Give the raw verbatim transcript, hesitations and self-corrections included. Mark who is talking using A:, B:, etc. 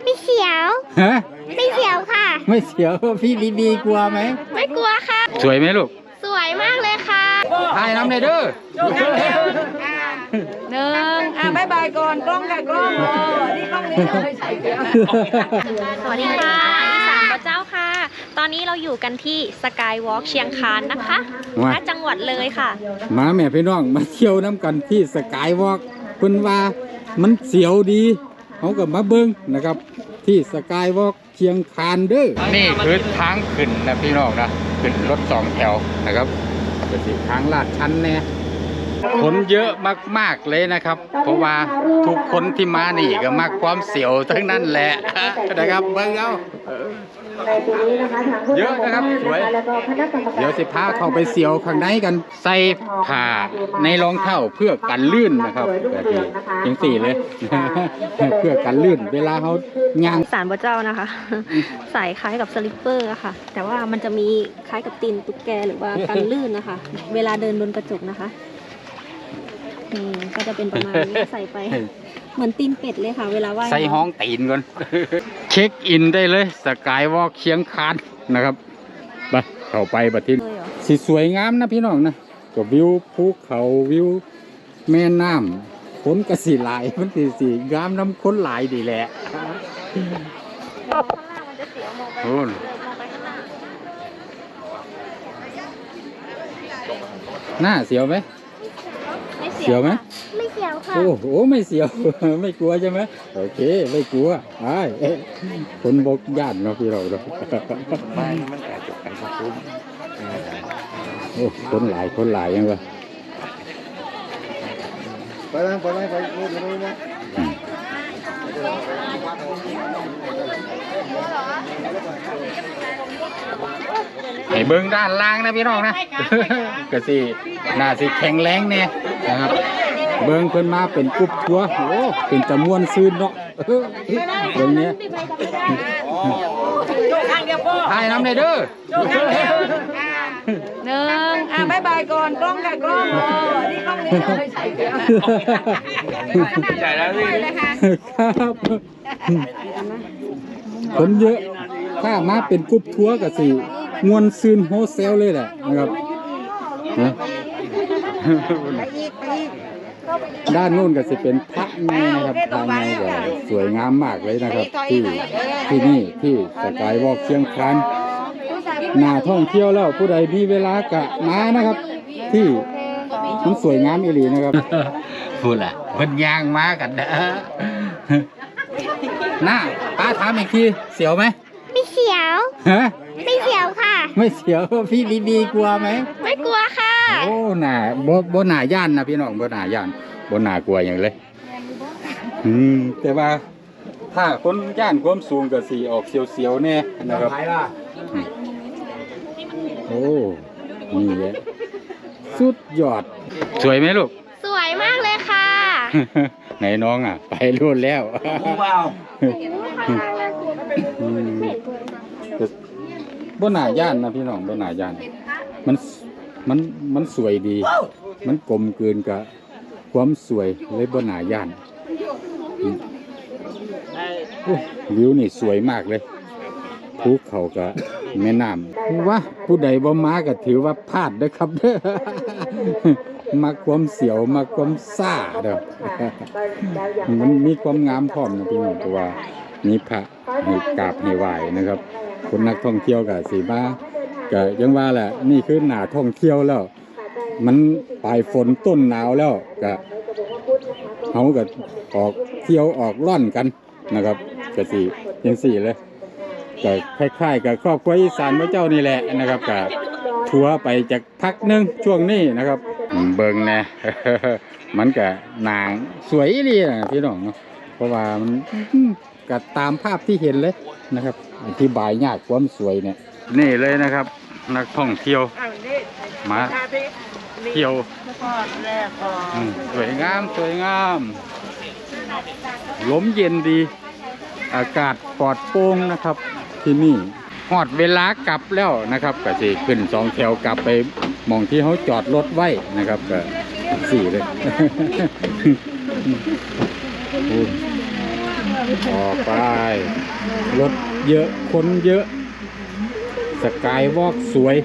A: ไม่เสียวฮะไม่เสียวค่ะไม่เสียวพี่บีบีกลัวไหมไม่กลัวค่ะ
B: สวยไหมลูก
A: สวยมากเลยค่ะ
B: ถ่ายน้ำในเด้อ
C: หนึ่งอ่ะบายบายก่อนกล้องค่ะกล้องนี่กล้องนี้เราไม่ใช่
A: สวัสดีค่ะสามพระเจ้าค่ะตอนนี้เราอยู่กันที่สกายวอล์กเชียงคานนะคะณจังหวัดเลยค่ะ
B: มาแม่พี่น้องมาเที่ยวน้ำกันที่สกายวอล์กเพิ่นว่ามันเสียวดีเขาก็มาเบิ้งนะครับที่สกายวอล์กเชียงคานเด้อนี่คือทางขึ้นนะพี่น้องนะขึ้นรถสองแถวนะครับเป็นสิทางลาดชันแน่คนเยอะมากๆเลยนะครับเพราะว่าทุกคนที่มานี่ก็มักความเสียวทั้งนั้นแหละนะครับเบิ้งเอาเยอะนะครับสวยเดี๋ยวสิพาเข้าไปเสียวข้างในกันใส่ผ้าในรองเท้าเพื่อกันลื่นนะครับแบบนี้จังสี่เลยเพื่อกันลื่นเวลาเขาย่าง
A: สารพระเจ้านะคะใส่คล้ายกับสลิปเปอร์ค่ะแต่ว่ามันจะมีคล้ายกับตีนตุ๊กแกหรือว่ากันลื่นนะคะเวลาเดินบนกระจกนะคะนี่ก็จะเป็นประมาณนี้ใส่ไปเหมือนตีนเป็ดเลยค่ะเวลาว่าย
B: ใส่ห้องตีนก่อนเช็คอินได้เลยสกายวอล์กเชียงคานนะครับไปเข้าไปบัดทีสีสวยงามนะพี่น้องนะกับวิวภูเขาวิวแม่น้ำฝนกระสีหลายมันสีสีงามน้ำค้นหลายดีแหละโอ้หน้าเสียวไหมเสียวไหม
A: ไม่เสียวค่ะ
B: โอ้โหไม่เสียวไม่กลัวใช่ไหมโอเคไม่กลัวไอ้คนบกย่านเนาะพี่เราเนาะไม่มันแอบจบกันครับคุณโอ้คนหลายคนหลายยังวะไปแล้วไปแล้วไปโอ้ยไปแล้วให้เบิ้งด้านล่างนะพี่น้องนะก็สิน่าสิแข็งแรงเนี่ยนะครับเบิ้งเพิ่นมาเป็นกรุ๊ปทัวร์โอ้เป็นจำนวนซื้อเนาะเบิ้งเนี้ยถ่ายน้ำในเด้อ
C: หนึ่งอ่ะบายบายก่อนกล้องค่ะกล้องนี่กล้องนี้เราไม่ใช่ใช่แล้วพี่
B: ครับคนเยอะถ้ามาเป็นกรุ๊ปทัวร์ก็สิมวนซื้อโฮเซลเลยแหละนะครับด้านนู้นก็จะเป็นพระในนะครับภายในก็สวยงามมากเลยนะครับที่ที่นี่ที่สกายวอล์กเชียงคานน่าท่องเที่ยวแล้วผู้ใดมีเวลากะมานะครับที่มันสวยงามอีหลีนะครับพูดแหละเพิ่นยางมากันเด้อหน้าป้าถามอีกทีเสียวไหม
A: ไม่เสียว
B: ฮะ
A: ไม่เสียวค่ะ
B: ไม่เสียวพี่บีบีกลัวไหม
A: ไม่กลัวค่ะ
B: โอ้หน่าบ่บ่หน่าย่านนะพี่น้องบ่หน่าย่านบ่หน่ากลัวอย่างเลยอืมแต่ว่าถ้าคนย่านความสูงก็สีออกเสียวๆแน่นะครับโอ้นี่แหละสุดยอดสวยไหมลูก
A: สวยมากเลยค่ะ
B: ไหนน้องอ่ะไปรุ่นแล้วว้าวบ่หน่าย่านนะพี่น้องบ่หน่าย่านมันมันมันสวยดีมันกลมกลืนกับความสวยเลยบ่หน่าย่านวิวนี่สวยมากเลยภูเขากับแม่น้ำว่าผู้ใดบ่มาก็ถือว่าพลาดนะครับเด้อมาความเสียวมาความซ่าเด้อมันมีความงามพร้อมนะพี่น้องตัวมีพระให้กราบให้ไหว้นะครับคนนักท่องเที่ยวกับสีบ้าก็ยังว่าแหละนี่คือหน้าท่องเที่ยวแล้วมันปลายฝนต้นหนาวแล้วก็เขาก็ออกเที่ยวออกร่อนกันนะครับก็สียังสี่เลยก็คล้ายๆกับครอบครัวอีสานพระเจ้านี่แหละนะครับก็ทัวร์ไปจากพักนึงช่วงนี้นะครับเบิ่งแน่ มันก็นางสวยดีนะพี่น้องเพราะว่ามันก็ตามภาพที่เห็นเลยนะครับอธิบายยากความสวยเนี่ยนี่เลยนะครับนักท่องเที่ยวมาเที่ยวสวยงามสวยงามลมเย็นดีอากาศปลอดโปร่งนะครับที่นี่ฮอดเวลากลับแล้วนะครับก็สิขึ้นสองแถวกลับไปมองที่เขาจอดรถไว้นะครับก็สี่เลยต่อไป รถเยอะคนเยอะ สกายวอล์กสวย